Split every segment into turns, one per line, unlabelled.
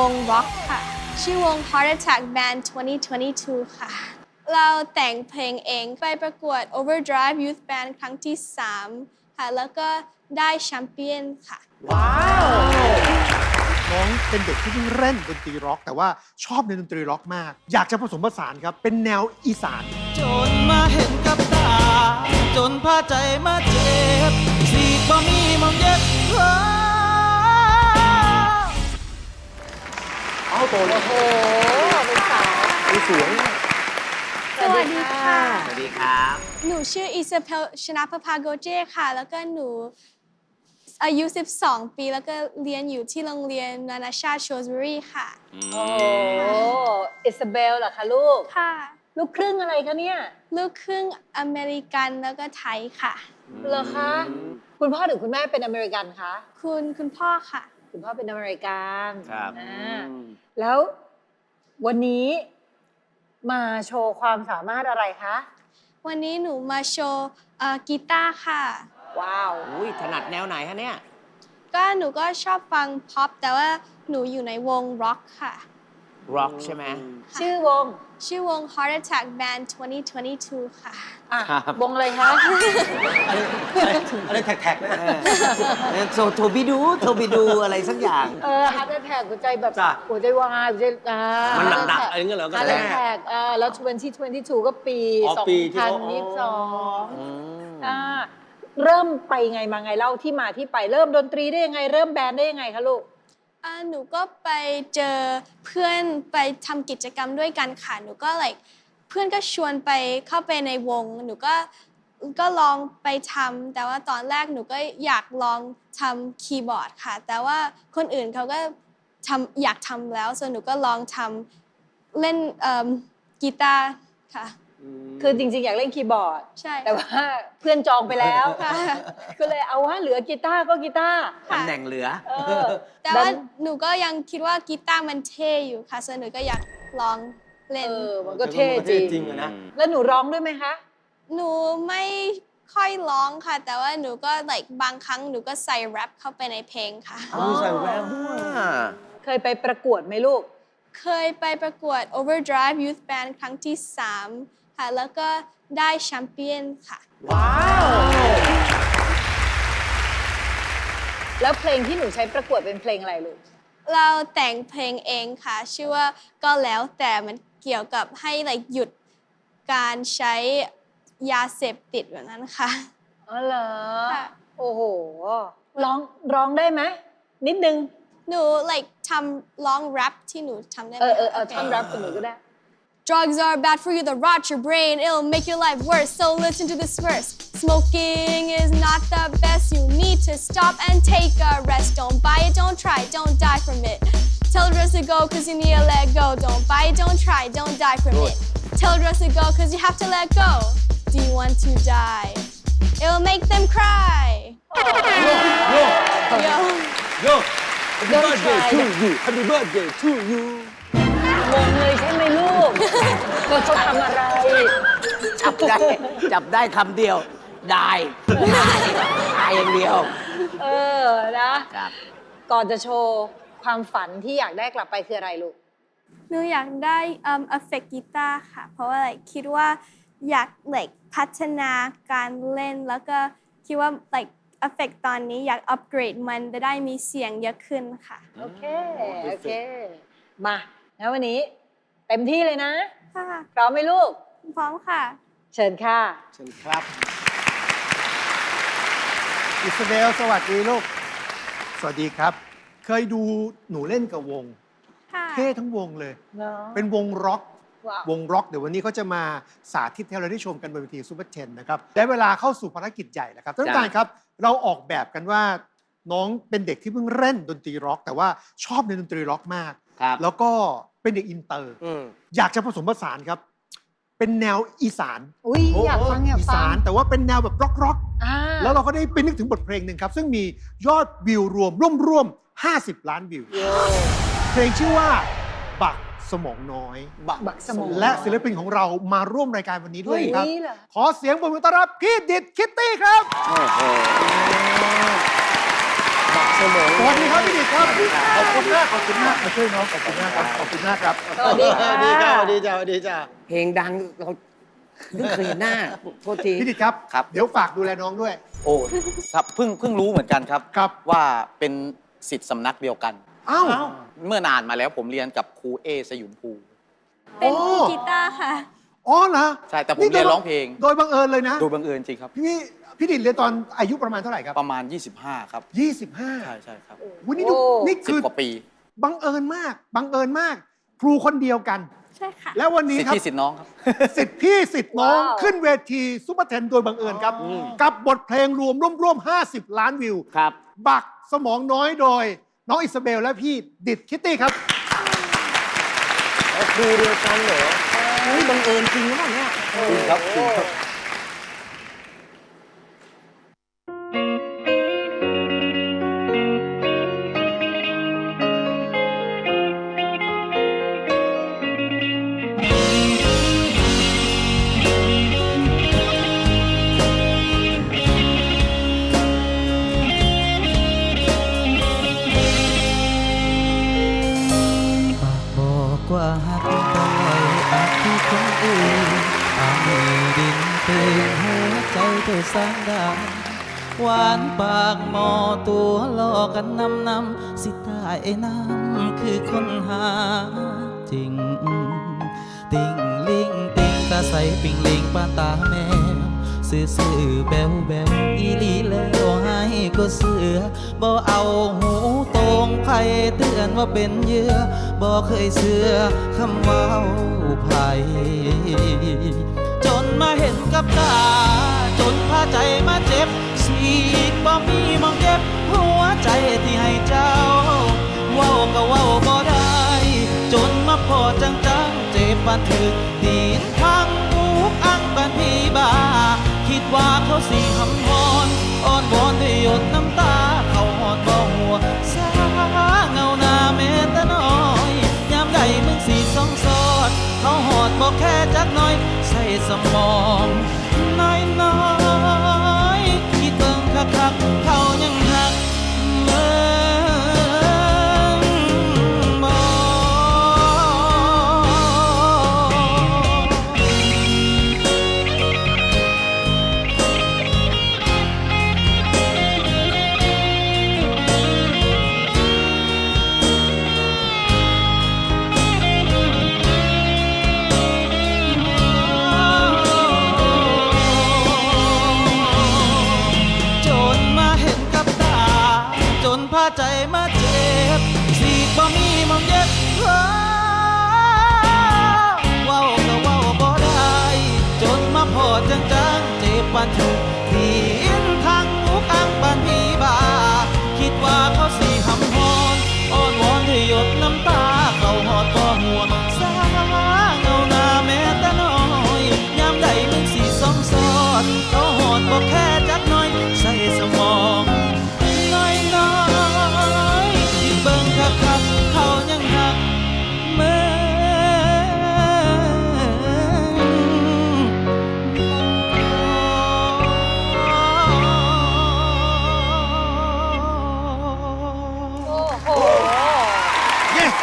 งร็อกค่ะชื่อวง Heart Attack Band 2022 ค่ะเราแต่งเพลงเองไปประกวด Overdrive Youth Band ครั้งที่ 3 ค่ะแล้วก็ได้แชมเปี้ยนค่ะ
ว้าว
น้องเป็นเด็กที่เพิ่งเล่นดนตรีร็อกแต่ว่าชอบในดนตรีร็อกมากอยากจะผสมผสานครับเป็นแนวอีสาน
จนมาเห็นกับตาจนพาใจมาเจ็บสีกบ่มีมองเย็บ
เอาโตแล้ว
โอ้เป็นสาว
มีเสียง
สวัสดีค่ะ
สวัสดีครับ
หนูชื่ออิซาเบลชนะภพาโกเจค่ะแล้วก็หนูอายุ 12 ปีแล้วก็เรียนอยู่ที่โรงเรียนนานาชาติโชสบุรีค่ะ
โอ้อิซาเบลเหรอคะลูก
ค่ะ
ลูกครึ่งอะไรคะเนี่ย
ลูกครึ่งอเมริกันแล้วก็ไทยค่ะ
เหรอคะ คุณพ่อหรือคุณแม่เป็นอเมริกันคะ
คุณพ่อค่ะ
คุณพ่อเป็นอเมริกัน
ครับ
แล้ววันนี้มาโชว์ความสามารถอะไรคะ
วันนี้หนูมาโชว์กีตาร์ค่ะ
ว้าว
อุ้ยถนัดแนวไหนฮะเนี่ย
ก็หนูก็ชอบฟังพ็อปแต่ว่าหนูอยู่ในวงร็อกค่ะ
ร็อกใช่ไหม
ชื่อวง
ชื่อวง Heart Attack Band 2022 ค่ะ
อ่ะ
ครับ
วงอะไรคะ
อะไรแท็กๆนะ
โทบิดูอะไรสักอย่าง
ฮาร์ดแท็กหัวใจแบบ
จ้ะ
หัวใจวายหัวใจ
มันหนักๆอะไรเงี้ยเหรอก็
ฮาร์
แน่
ดแท็กแล้ว2022 ก็ปี
ปีที่เขา
2022 เริ่มไปไงมาไงเล่าที่มาที่ไปเริ่มดนตรีได้ยังไง เริ่มแบนด์ได้ยังไงคะลูก
หนูก็ไปเจอเพื่อนไปทำกิจกรรมด้วยกันค่ะ หนูก็ like เพื่อนก็ชวนไปเข้าไปในวง หนูก็ลองไปทำแต่ว่าตอนแรกหนูก็อยากลองทำคีย์บอร์ดค่ะ แต่ว่าคนอื่นเขาก็อยากทำแล้วส่วนหนูก็ลองทำเล่นกีตาร์ค่ะ
คือจริงๆ อยากเล่นคีย์บอร์ด
ใช่
แต่ว่าเพื่อนจองไปแล้ว
ค่ะ
ก็เลยเอาว่าเหลือกีตาร์ก็กีตาร์
ตำแหน่งเหลือ
แต่ว่าหนูก็ยังคิดว่ากีตาร์มันเท่อยู่ค่ะส่วนหนูก็อยากลองเล่น
มันก็เท่จริง
จริงนะ
แล้วหนูร้องด้วยไหมคะ
หนูไม่ค่อยร้องค่ะ แต่ว่าหนูก็ like บางครั้งหนูก็ใส่แรปเข้าไปในเพลงค่ะ
ใส่แวว
เคยไปประกวดไหมลูก
เคยไปประกวด Overdrive Youth Band ครั้งที่ 3 ค่ะ แล้วก็ได้แชมเปี้ยนค่ะ
ว้าว แล้วเพลงที่หนูใช้ประกวดเป็นเพลงอะไรลูก
เราแต่งเพลงเองค่ะ ชื่อว่าก็แล้วแต่มันเกี่ยวกับให้ like หยุดการใช้ยาเสพติดแบบนั้นค่ะ
อ๋อเหรอ
ค่ะ
โอ้โห ร้องได้ไหม นิดนึง
หนู like ทำร้องแรปที่หนูทำได้ไหม
เอาท่อนแรปกับหนูก็ได้
Drugs are bad for you, they rot your brain, it'll make your life worse, so listen to this verse. Smoking is not the best, you need to stop and take a rest. Don't buy it, don't try, don't die from it. Tell the rest to go, cause you need to let go. Don't buy it, don't try, don't die from it. Tell the rest to go, cause you have to let go. Do you want to die? It'll make them cry. Yo.
Yo
Don't try
Happy birthday to you
งงเลยใช่ไหมลูกเขาทำอะไร
จับได้คำเดียว ได้อย่างเดียว
นะ
ครับ
ก่อนจะโชว์ความฝันที่อยากได้กลับไปคืออะไรลูก
หนูอยากได้effect กีตาร์ค่ะ เพราะว่า like คิดว่าอยาก like พัฒนาการเล่นแล้วก็คิดว่า like effect ตอนนี้อยากอัปเกรดมันจะได้มีเสียงเยอะขึ้นค่ะ
โอเค มาแล้ววันนี้เต็มที่เลยนะ
ค่ะ
พร้อมไหมลูก
พร้อมค่ะ
เชิญค่ะ
เชิญครับ อิสราเบลสวัสดีลูก สวัสดีครับ เคยดูหนูเล่นกับวง
ค่ะ
เท่ทั้งวงเลย
เนาะ
เป็นวงร็อก
ว้าว
วงร็อกเดี๋ยววันนี้เขาจะมาสาธิตให้เราได้ชมกันบนเวทีซูเปอร์เทนนะครับได้เวลาเข้าสู่ภารกิจใหญ่แล้วครับท่านผู้การครับ เราออกแบบกันว่าน้องเป็นเด็กที่เพิ่งเล่นดนตรีร็อก แต่ว่าชอบในดนตรีร็อกมาก
ครับ
แล้วก็เป็นเด็กอินเตอร์ อยากจะผสมผสานครับ เป็นแนวอีสาน
อุ้ยอยากฟังอยาก
อี
ฟั
สาง นแต่ว่าเป็นแนวแบบร็อก
อ่า
แล้วเราก็ได้ไปนึกถึงบทเพลงหนึ่งครับ ซึ่งมียอดวิวร่วม50 ล้านวิว
โย
เพลงชื่อว่าบักสมองน้อย
บักสมอง
และศิลปินของเรามาร่วมรายการวันนี้ด้วยครับ
นี่เหรอ
ขอเสียงปรบมือต้อนรับพี่ดิดคิตตี้ครับ
โอ้โห
สวัสวัสดีครับพี่ดิษครับขอบคุณมากขอบคุณมากมาช่วยน้องขอบคุณมากครับขอบคุณมากครับ
สวัสดีค่ะ
สวัสดีจ้าสวัสดีจ้าสวัสดีจ้า
เพลงดังเราเพิ่งเคยเห็นหน้าโทษที
พี่ดิษครับ
ครับ
เดี๋ยวฝากดูแลน้องด้วย
โอ้ครับเพิ่งรู้เหมือนกันครับ
ครับ
ว่าเป็นศิษย์สำนักเดียวกัน
เอ้า
เมื่อนานมาแล้วผมเรียนกับครูเอสยุนภู
เป็น
โอ้
กีตาร์ค่ะ
อ๋อเหรอ
ใช่แต่ผมเรียนร้องเพลง
โดยบังเอิญเลยนะ
โดยบังเอิญจริงครับ
พี่ดิษเรียนตอนอายุประมาณเท่าไหร่ครับ
ประมาณ 25 ครับ
25
ใช่ครับ
วันนี้ดู
โอ้
นี่คือ
10 กว่าปี
บังเอิญมากบังเอิญมาก ครูคนเดียวกัน
ใช่ค่ะ
แล้ววันนี้
สิทธิ์
ครับ
พี่สิทธิ์น้องครับ
สิทธิ์พี่สิทธิ์น้อง
ว้าว
ขึ้นเวทีซุปเปอร์เทนโดยบังเอิญครับ กับบทเพลงร่วม 50 ล้านวิว
ครับ
บักสมองน้อยโดย น้องอิสเบลและพี่ดิษคิตตี้ครับ
ครูเดียวกันเหรอเฮ้ยบังเอิญจริงหรือเปล่าเนี่ย
จริงครับจริงครับ
ปากบอกว่าหักแต่ลอยอาจที่คนอื่นอาจมีดินเป็นหัวใจเธอสร้างได้หวานปากหมอตัวหลอกกันนำสิตายน้ำคือคนหาจริง ติ่งลิงติ่งตาใสปิ่งลิงปานตาแมวซื่อแบวอีหลีแล้วให้ก็เสือบ่เอาหูตรงไผเตือนว่าเป็นเหยื่อบ่เคยเสือคำเว้าไผจนมาเห็นกับตา จนพาใจมาเจ็บสีกบ่มีมองเก็บหัวใจที่ให้เจ้า เว้าก็เว้าบ่ได้ จนมาพอจังเจ็บปานถึกตีนพังอุกอังปานพี่บ้า คิดว่าเขาสิหำฮอนอ้อนวอนด้วยหยดน้ำตา เขาหอดบ่หัวสาเงาหน้าแม้แต่น้อยยามใดมึงสิสองสอด เขาหอดบ่แค่จักหน้อย ใส่สมองน้อยคิดเบิ่งคักๆเขายังหักเมืองบ่ จนมาเห็นกับตา จนพาใจมาเจ็บสีกบ่มีมองเย็บเว้าก็เว้าบ่ได้ จนมาพอจังเจ็บปานถึกตีนทางมุกอังปานพี่บ้า คิดว่าเขาสิหำฮอนอ้อนวอนด้วยหยดน้ำตา เขาหอดบ่หัวสาเงาหน้าแม้แต่น้อยยามใดมึงสิสองสอด เขาหอดบ่แค่จักหน้อย ใส่สมองน้อยที่เบิ่งคักๆเขายังหักเมื
โอ้โห
เย้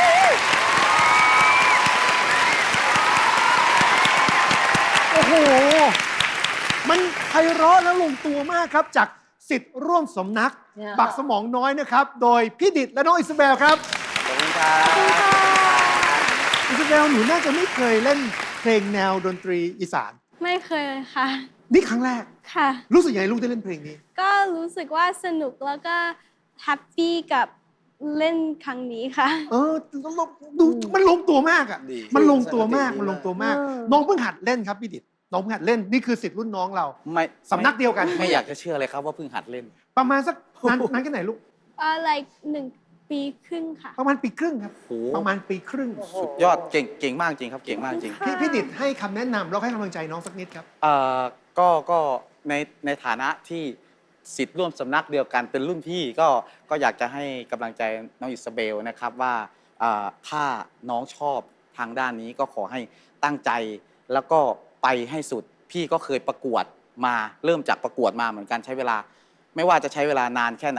โอ้โห มันไพเราะและลงตัวมากครับ จากสิทธิ์ร่วมสำนัก
เนี่ย
บักสมองน้อยนะครับ โดยพี่ดิษและน้องอิสเบลครับ
ขอบคุณครับ
อิสเบลหนูน่าจะไม่เคยเล่นเพลงแนวดนตรีอีสาน
ไม่เคยเลยค่ะ
นี่ครั้งแรก
ค่ะ
รู้สึกยังไงลูกได้เล่นเพลงนี้
ก็รู้สึกว่าสนุกแล้วก็แฮปปี้กับเล่นครั้งนี้ค่ะ
เออดูมันลงตัวมากอ่ะ
ดี
มันลงตัวมาก
ดี
มันลงตัวมาก
เออ
น้องเพิ่งหัดเล่นครับพี่ดิษน้องเพิ่งหัดเล่น นี่คือสิทธิ์รุ่นน้องเรา
ไม่
สำนักเดียวกัน
ไม่อยากจะเชื่อเลยครับว่าเพิ่งหัดเล่น
ประมาณสักนานแค่ไหนลูก
like 1 ปีครึ่งค่ะ
ประมาณปีครึ่งครับ
โอ้โห
ประมาณปีครึ่ง
สุดยอดเก่งมากจริงครับ เก่งมากจริง
พี่ดิษให้คำแนะนำแล้วให้กำลังใจน้องสักนิดครับ
ก็ในฐานะที่ศิษย์ร่วมสำนักเดียวกันเป็นรุ่นพี่ก็อยากจะให้กำลังใจน้องอิสเบลนะครับว่าถ้าน้องชอบทางด้านนี้ก็ขอให้ตั้งใจแล้วก็ไปให้สุด พี่ก็เคยประกวดมาเริ่มจากประกวดมาเหมือนกันใช้เวลา ไม่ว่าจะใช้เวลานานแค่ไหน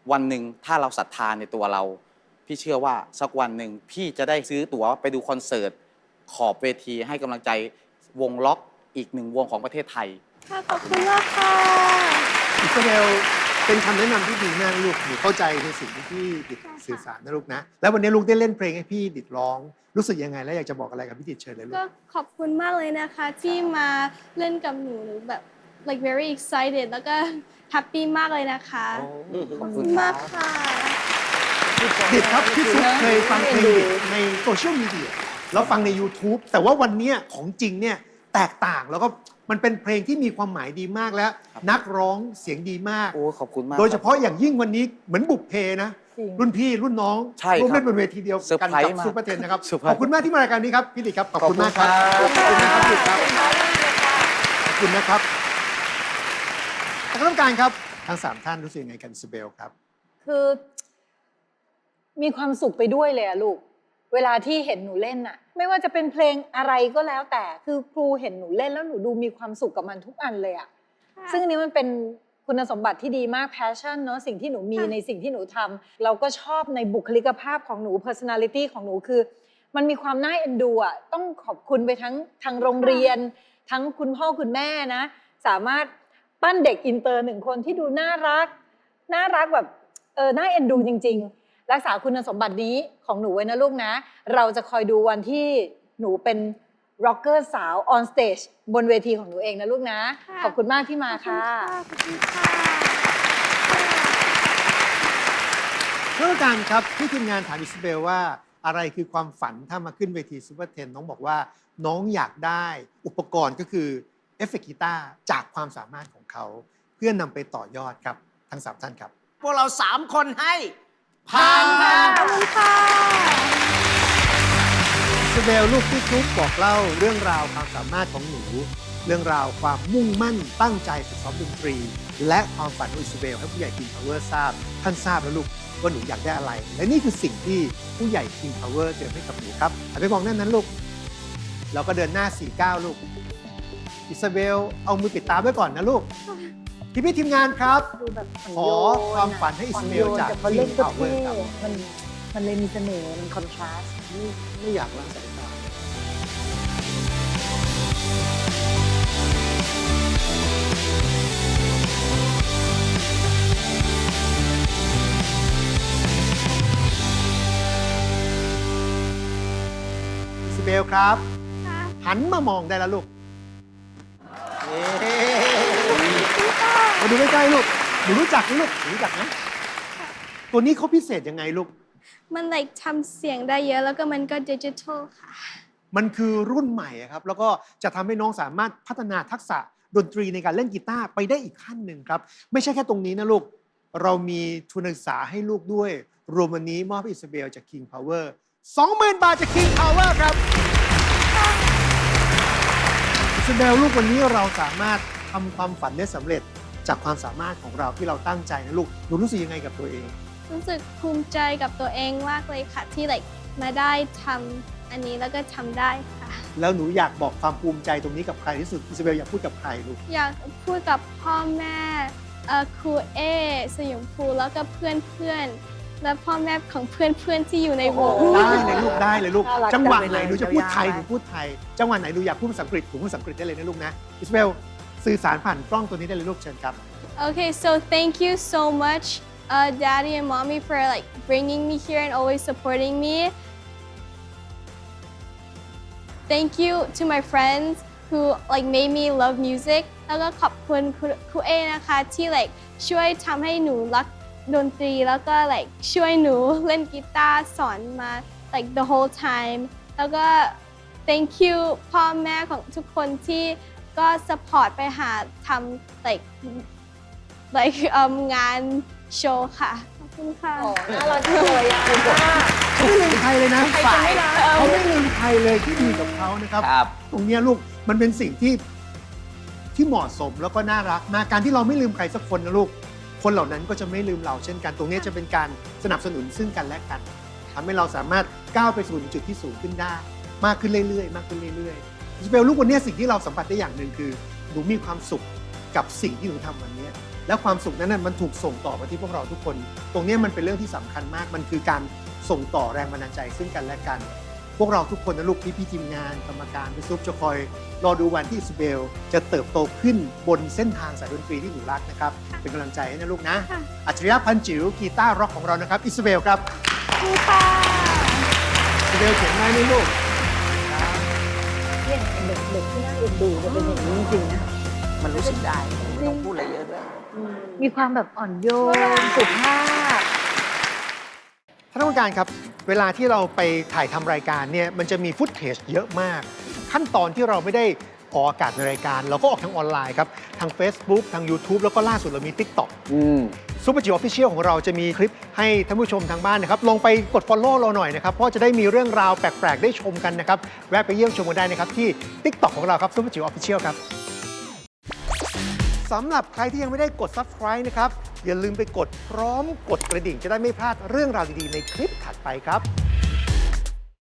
วันหนึ่งถ้าเราศรัทธาในตัวเรา พี่เชื่อว่าสักวันหนึ่งพี่จะได้ซื้อตั๋วไปดูคอนเสิร์ตขอบเวทีให้กำลังใจวงล็อกอีกหนึ่งวงของประเทศไทย
ค่ะขอบคุณมากค่ะ
อิสราเอลเป็นคำแนะนำที่ดีมากลูกหนูเข้าใจในสิ่งที่พี่ดิดสื่อสารนะลูกนะแล้ววันนี้ลูกได้เล่นเพลงให้พี่ดิดร้องรู้สึกยังไงและอยากจะบอกอะไรกับพี่ดิดเชิญเลยลูก
ก็ขอบคุณมากเลยนะคะที่มาเล่นกับหนูแบบ like very excited แล้วก็แฮปปี้มากเลยนะคะ
ขอบคุ
ขอบคุณ
ณครั
มาก
บ
ค่ะ
ดิดครับพี่ซุปเคยฟังเพลงดิดในโซเชียลมีเดียแล้วฟังใน YouTube แต่ว่าวันเนี้ยของจริงเนี่ยแตกต่างแล้วก็มันเป็นเพลงที่มีความหมายดีมากแล้ว นักร้องเสียงดีมาก
โอ้ขอบคุณมาก
โดยเฉพาะอย่างยิ่งวันนี้เหมือนบุพเพนะ
จริง
รุ่นพี่รุ่นน้อง
ใช่ครับ
ร่วมเล่นบนเวทีเดียว
เซอร์
กัน
ไพรส์
กับ
มาก
ซูเปอร์เทนนะครับ
เซอร์ไพรส์
ขอบคุณมากที่มารายการนี้ครับพี่ดิดครับขอบคุณมากครับ
ขอบคุณครับ
ขอบคุณนะครับพี่ดิดครับขอบคุณนะครับท่านกรรมการครับทั้ง3ท่านรู้สึกยังไงกันอิซาเบลครับ
คือมีความสุขไปด้วยเลยอะลูก เวลาที่เห็นหนูเล่นอะไม่ว่าจะเป็นเพลงอะไรก็แล้วแต่คือครูเห็นหนูเล่นแล้วหนูดูมีความสุขกับมันทุกอันเลยอะซึ่งอันนี้มันเป็นคุณสมบัติที่ดีมาก passion เนอะสิ่งที่หนูมีในสิ่งที่หนูทำเราก็ชอบในบุคลิกภาพของหนู personality ของหนูคือ มันมีความน่าเอ็นดูอะต้องขอบคุณไปทั้งทางโรงเรียน ทั้งคุณพ่อคุณแม่นะ สามารถปั้นเด็กอินเตอร์1 คนที่ดูน่ารักแบบน่าเอ็นดูจริงๆ รักษาคุณสมบัตินี้ของหนูไว้นะลูกนะ เราจะคอยดูวันที่หนูเป็นร็อกเกอร์สาวออนสเตจบนเวทีของหนูเองนะลูกนะ
ค่ะ
ขอบคุณมากที่มาค่ะ
ขอบคุณค่ะ
ท่านผู้การครับที่ทีมงานถามอิซาเบลว่าอะไรคือความฝันถ้ามาขึ้นเวทีซูเปอร์เทนน้องบอกว่าน้องอยากได้อุปกรณ์ก็คือเอฟเฟกต์กีตาร์จากความสามารถของเขา เพื่อนนำไปต่อยอดครับทั้ง3ท่านครับ
พวกเรา3 คนให้
ผ่านค่ะ
ขอบคุณค่ะ
อิซาเบลลูกที่ซุปบอกเล่าเรื่องราวความสามารถของหนู เรื่องราวความมุ่งมั่นตั้งใจฝึกซ้อมดนตรี และความฝันของอิซาเบลให้ผู้ใหญ่ King Power ทราบท่านทราบแล้วลูกว่าหนูอยากได้อะไร และนี่คือสิ่งที่ผู้ใหญ่ King Power เตรียมให้กับหนูครับหันไปมองด้านนั้นลูกแล้วก็เดินหน้า 49 ลูกอิซาเบลเอามือปิดตาไว้ก่อนนะลูกพี่ทีมงานครับ
ดูแบบอ่อน
ข
โย
อน ความฝันให้อิสมาเอลจาก
แต่พอเล่น
King
ก็
Power
เท่
ครับ
มันเลยมีเสน่ห์มันคอนทราสต์
ไม่อยากละสายตาอิซาเบลครับ
ค่ะ
หันมามองได้แล้วลูกมาดูใกล้ๆลูกหนูรู้จักไหมลูกหนูรู้จักไหมตัวนี้เขาพิเศษยังไงลูก
มัน like ทำเสียงได้เยอะแล้วก็มันก็ดิจิทัลค่ะ
มันคือรุ่นใหม่อะครับ แล้วก็จะทำให้น้องสามารถพัฒนาทักษะดนตรีในการเล่นกีตาร์ไปได้อีกขั้นหนึ่งครับ ไม่ใช่แค่ตรงนี้นะลูก เรามีทุนการศึกษาให้ลูกด้วย รวมวันนี้มอบให้อิซาเบลจาก King Power 20,000 บาทจาก King Power ครับอิซาเบลลูกวันนี้เราสามารถทำความฝันได้สำเร็จจากความสามารถของเราที่เราตั้งใจนะลูกหนูรู้สึกยังไงกับตัวเอง
รู้สึกภูมิใจกับตัวเองมากเลยค่ะ ที่ like มาได้ทำอันนี้แล้วก็ทำได้ค่ะ
แล้วหนูอยากบอกความภูมิใจตรงนี้กับใครที่สุดอิซาเบลอยากพูดกับใครลูก
อยากพูดกับพ่อแม่ครูเอสยมภูแล้วก็เพื่อนๆ และพ่อแม่ของเพื่อนๆที่อยู่ในวง
ได้เลยลูกได้เลยลูก
น่ารัก
จังหวะ
จังเลย
ไหนหนูจะพูดไทย
ยาวๆ
หนูพูดไทย จังหวะไหนหนูอยากพูดภาษาอังกฤษหนูพูดภาษาอังกฤษได้เลยนะลูกนะอิสเบลสื่อสารผ่านกล้องตัวนี้ได้เลยลูกเชิญครับ
Okay, so thank you so much, Daddy and Mommy, for like bringing me here and always supporting me. Thank you to my friends who like made me love music. แล้วก็ขอบคุณครูเอนะคะที่ like ช่วยทำให้หนูรักดนตรีแล้วก็ like ช่วยหนูเล่นกีตาร์สอนมา like the whole time. แล้วก็ thank you พ่อแม่ของทุกคนที่ก็ support ไปหาทำ like งานโชว์ค่ะ ขอบคุณค่ะ
อ๋อน่ารักจังเลยอ่ะ
เขาไม่ลืมใครเลยนะ
ใครจะไม่รัก
เขาไม่ลืมใครเลยที่ดีกับเขานะครับ
ครับ
ตรงเนี้ยลูกมันเป็นสิ่งที่เหมาะสมแล้วก็น่ารักมากการที่เราไม่ลืมใครสักคนนะลูกคนเหล่านั้นก็จะไม่ลืมเราเช่นกัน ตรงเนี้ยจะเป็นการสนับสนุนซึ่งกันและกันทำให้เราสามารถก้าวไปสู่จุดที่สูงขึ้นได้ มากขึ้นเรื่อยๆมากขึ้นเรื่อยๆอิสเบลลูกวันเนี้ยสิ่งที่เราสัมผัสได้อย่างหนึ่งคือหนูมีความสุขกับสิ่งที่หนูทำวันเนี้ยและความสุขนั้นมันถูกส่งต่อมาที่พวกเราทุกคน ตรงนี้มันเป็นเรื่องที่สำคัญมาก มันคือการส่งต่อแรงบันดาลใจซึ่งกันและกัน พวกเราทุกคนนะลูกพี่ทีมงานกรรมการพี่ซุปจะคอยรอดูวันที่อิสเบลจะเติบโตขึ้นบนเส้นทางสายดนตรีที่หนูรักนะครับเป็นกำลังใจให้นะลูกนะอัจฉริยะพันจิ๋วกีตาร์ร็อกของเรานะครับอิสเบลครับอิสเบลเขียนไว้นี่ลูก
เนี่ยเด็กๆที่น่าเอ็นดูจะเป็นอย่างนี้จริงๆนะ
มันรู้สึกได้ไม่ต้องพูดอะไรเยอะด้วย
มีความแบบอ่อนโยนสุภาพ
ท่านผู้การครับเวลาที่เราไปถ่ายทำรายการเนี่ยมันจะมีฟุตเทจเยอะมาก ขั้นตอนที่เราไม่ได้ออกอากาศในรายการ เราก็ออกทางออนไลน์ครับทาง Facebook ทาง YouTube แล้วก็ล่าสุดเรามี TikTok ซุปเปอร์จิ๋วออฟฟิเชียลของเราจะมีคลิปให้ท่านผู้ชมทางบ้านนะครับลองไปกด Follow เราหน่อยนะครับเพราะจะได้มีเรื่องราวแปลกๆได้ชมกันนะครับแวะไปเยี่ยมชมกันได้นะครับที่ TikTok ของเราครับซุปเปอร์จิ๋วออฟฟิเชียลครับสำหรับใครที่ยังไม่ได้กด Subscribe นะครับอย่าลืมไปกดพร้อมกดกระดิ่งจะได้ไม่พลาดเรื่องราวดีๆในคลิปถัดไปครับ